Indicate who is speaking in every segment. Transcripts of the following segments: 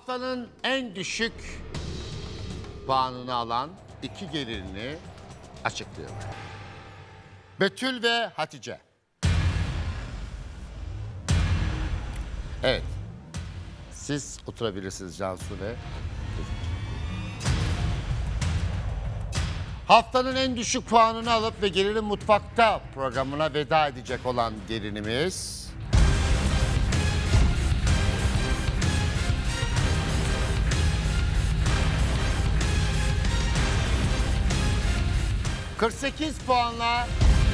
Speaker 1: Haftanın en düşük puanını alan iki gelinini açıklıyorum. Betül ve Hatice. Evet. Siz oturabilirsiniz Cansu ve... Haftanın en düşük puanını alıp ve Gelinin Mutfakta programına veda edecek olan gelinimiz... 48 puanla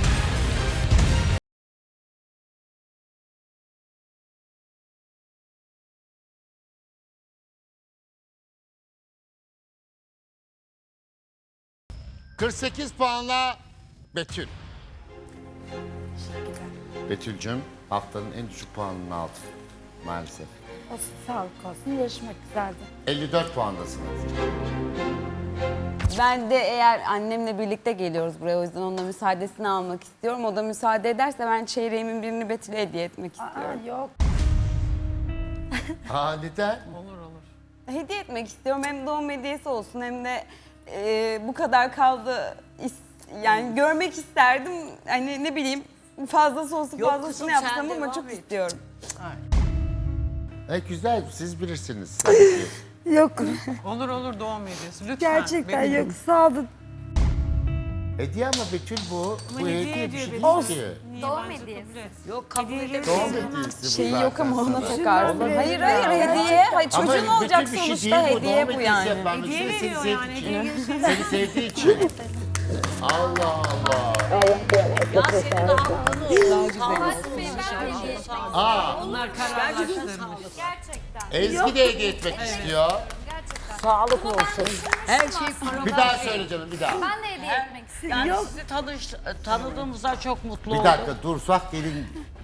Speaker 1: Betül. Betül'cüm haftanın en düşük puanını aldın maalesef.
Speaker 2: Olsun, sağlık olsun. Yarışmak güzeldi.
Speaker 1: 54 puandasın.
Speaker 3: Ben de eğer annemle birlikte geliyoruz buraya, o yüzden onun müsaadesini almak istiyorum. O da müsaade ederse ben çeyreğimin birini Betül'e hediye etmek istiyorum.
Speaker 2: Yok.
Speaker 1: Neden?
Speaker 3: Hediye etmek istiyorum. Hem doğum hediyesi olsun hem de bu kadar kaldı. Yani görmek isterdim. Hani ne bileyim fazlası olsun
Speaker 4: Yok
Speaker 3: fazlasını
Speaker 4: kızım,
Speaker 3: yapsam
Speaker 4: sen
Speaker 3: ama
Speaker 4: devam
Speaker 3: çok
Speaker 4: et.
Speaker 3: istiyorum.
Speaker 1: Güzel siz bilirsiniz. Tabii ki.
Speaker 2: Yok.
Speaker 5: Olur doğum hediyesi. Lütfen.
Speaker 2: Gerçekten
Speaker 5: Benim-
Speaker 2: yok. Sağ olun.
Speaker 1: Hediye ama Betül bu. Bu hediye bir şey değil
Speaker 2: Olsun.
Speaker 1: ki.
Speaker 5: Doğum hediyesi.
Speaker 4: Yok kabul edemem.
Speaker 1: Doğum hediyesi bu
Speaker 3: Şeyi
Speaker 1: zaten
Speaker 3: yok ama ona
Speaker 1: sana.
Speaker 3: takarsın.
Speaker 2: Olmaz.
Speaker 3: Hayır hediye. Hayır,
Speaker 1: Ama
Speaker 3: çocuğun
Speaker 1: Betül
Speaker 3: olacak
Speaker 1: bir şey
Speaker 3: sonuçta
Speaker 1: değil
Speaker 3: hediye
Speaker 1: doğum
Speaker 3: bu
Speaker 1: hediyesi
Speaker 3: yani.
Speaker 1: yapar.
Speaker 5: Hediye
Speaker 1: Seni
Speaker 5: veriyor
Speaker 1: sevdiği
Speaker 5: yani.
Speaker 1: için.
Speaker 5: Hediye gibi şey.
Speaker 1: Seni sevdiği için. Allah Allah.
Speaker 4: Ya senin daha
Speaker 5: Bunlar kararlaştırmış.
Speaker 1: Ezgi de hediye etmek istiyor.
Speaker 4: sağlık olsun. Her şey para.
Speaker 1: Bir daha söyle canım bir daha.
Speaker 6: Ben de hediye etmek istiyorum.
Speaker 4: Yani sizi tanıdığımızda çok mutlu
Speaker 1: Bir
Speaker 4: oldum.
Speaker 1: dakika dur sak gelin.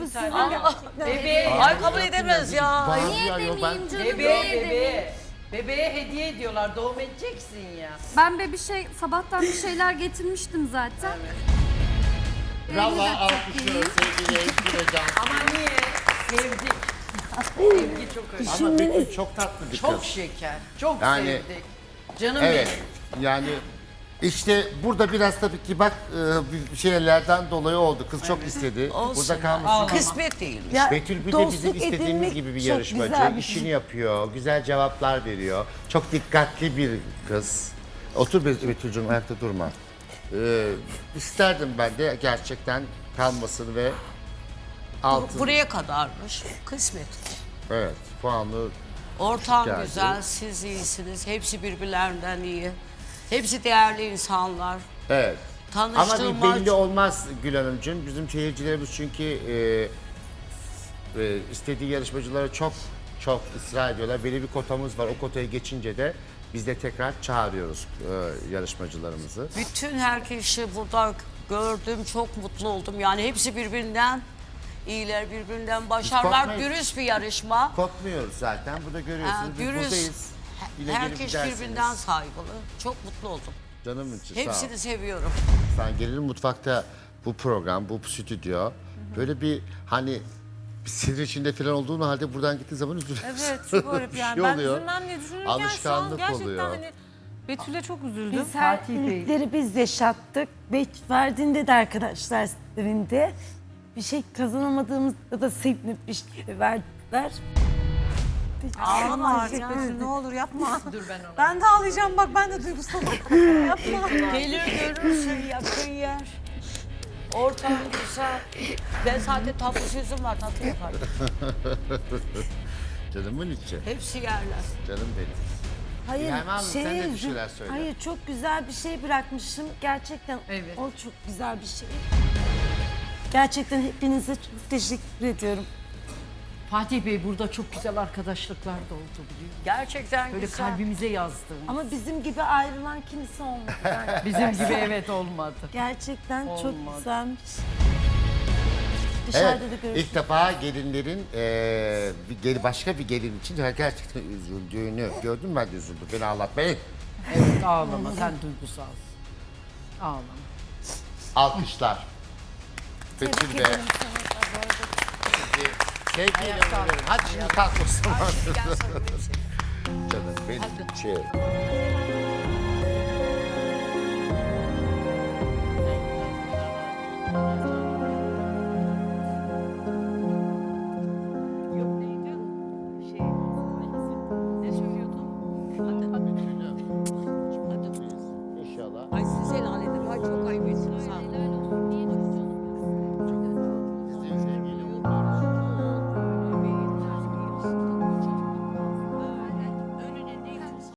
Speaker 4: Ay kabul edemez ya.
Speaker 1: Bazı
Speaker 6: Niye
Speaker 1: ya, yok,
Speaker 6: demeyeyim canım?
Speaker 5: Bebeğe
Speaker 6: niye demeyeyim?
Speaker 5: Bebeğe hediye ediyorlar. Doğum edeceksin ya.
Speaker 6: Ben sabahtan bir şeyler getirmiştim zaten.
Speaker 1: Bravo alkışlıyoruz sevgili Ezgi ve Cansu.
Speaker 5: Ama niye? Sevdik. Sevgi çok önemli.
Speaker 1: Ama Betül çok tatlı bir
Speaker 5: Çok
Speaker 1: kız.
Speaker 5: şeker. Çok
Speaker 1: Yani-
Speaker 5: sevdik. Canım
Speaker 1: Evet yani işte burada biraz tabii ki bak bir şeylerden dolayı oldu. Kız çok istedi. Burada kalmasın.
Speaker 4: Kısmet değil.
Speaker 2: Ya,
Speaker 1: Betül bir de
Speaker 2: dostluk
Speaker 1: bizim istediğimiz
Speaker 2: edinmek
Speaker 1: gibi bir
Speaker 2: çok
Speaker 1: yarışmacı.
Speaker 2: güzel bir
Speaker 1: İşini
Speaker 2: şey.
Speaker 1: yapıyor, güzel cevaplar veriyor. Çok dikkatli bir kız. Otur Betül'cüğüm ayakta durma. İsterdim ben de gerçekten kalmasını ve altın.
Speaker 4: Buraya kadarmış. Kısmet.
Speaker 1: Evet puanlı.
Speaker 4: Ortam
Speaker 1: Geldi.
Speaker 4: güzel, siz iyisiniz. Hepsi birbirlerinden iyi. Hepsi değerli insanlar.
Speaker 1: Evet. Ama bir
Speaker 4: Tanıştığıma
Speaker 1: belli olmaz Gül Hanımcığım. Bizim seyircilerimiz çünkü istediği yarışmacılara çok ısrar ediyorlar. Belli bir kotamız var. O kotayı geçince de biz de tekrar çağırıyoruz yarışmacılarımızı.
Speaker 4: bütün herkesi burada gördüm, çok mutlu oldum. Yani hepsi birbirinden iyiler, birbirinden başarılar.
Speaker 1: korkmayız.
Speaker 4: Dürüst bir yarışma.
Speaker 1: Korkmuyoruz zaten. Burada görüyorsunuz. Biz
Speaker 4: Dürüst.
Speaker 1: buradayız. Yine gelip
Speaker 4: Herkes
Speaker 1: gidersiniz.
Speaker 4: birbirinden saygılı. Çok mutlu oldum.
Speaker 1: Canım için sağ ol.
Speaker 4: Hepsini seviyorum.
Speaker 1: Sen Gelinin Mutfakta bu program, bu stüdyo böyle bir hani bir sinir içinde falan olduğun halde buradan gittiğin zaman üzülüyorsun.
Speaker 7: Evet çok garip
Speaker 1: Bir
Speaker 7: yani.
Speaker 1: şey
Speaker 7: Ben
Speaker 1: oluyor.
Speaker 7: üzülmem diye düşünürken şu an
Speaker 1: Alışkanlık
Speaker 7: gerçekten
Speaker 1: oluyor.
Speaker 7: hani Betül'e çok üzüldüm.
Speaker 2: Biz her iyilikleri biz yaşattık. Verdiğinde de arkadaşlar evinde bir şey kazanamadığımızda da sevinip bir şey verdiler.
Speaker 7: Ağlama artık Betül ne olur yapma. Dur ben ona. Ben de ağlayacağım bak ben de duygusalım. Yapma.
Speaker 4: Gelir görürsün yakın yer. Ortam güzel. Ben zaten tatlı sözüm var, tatlı yaparım.
Speaker 1: Canımın içi.
Speaker 4: Hepsi yerler.
Speaker 1: Canım benim.
Speaker 2: Hayır,
Speaker 1: İlham Hanım, sen de bir şeyler söyle.
Speaker 2: Hayır, çok güzel bir şey bırakmışım. Gerçekten
Speaker 5: Evet.
Speaker 2: o çok güzel bir şey. Gerçekten hepinize çok teşekkür ediyorum.
Speaker 8: Fatih Bey burada çok güzel arkadaşlıklar da oldu biliyor musun?
Speaker 4: Gerçekten
Speaker 8: Böyle
Speaker 4: güzel.
Speaker 8: kalbimize yazdığımız.
Speaker 2: Ama bizim gibi ayrılan kimse olmadı. Yani
Speaker 8: Bizim gibi evet olmadı.
Speaker 2: gerçekten çok
Speaker 8: Olmadı.
Speaker 2: güzelmiş.
Speaker 1: Evet,
Speaker 2: Dışarıda da görüşürüz.
Speaker 1: ilk defa gelinlerin başka bir gelin için gerçekten üzüldüğünü gördüm, ben de üzüldüm. Beni ağlatmayın.
Speaker 8: Evet ağlama sen duygusalsın. Ağlama.
Speaker 1: Alkışlar. Betül Bey. Sevgiyle uğurluyorum. Hadi şimdi kalk o zaman.
Speaker 4: Gel sana bir şey.
Speaker 1: Cheers.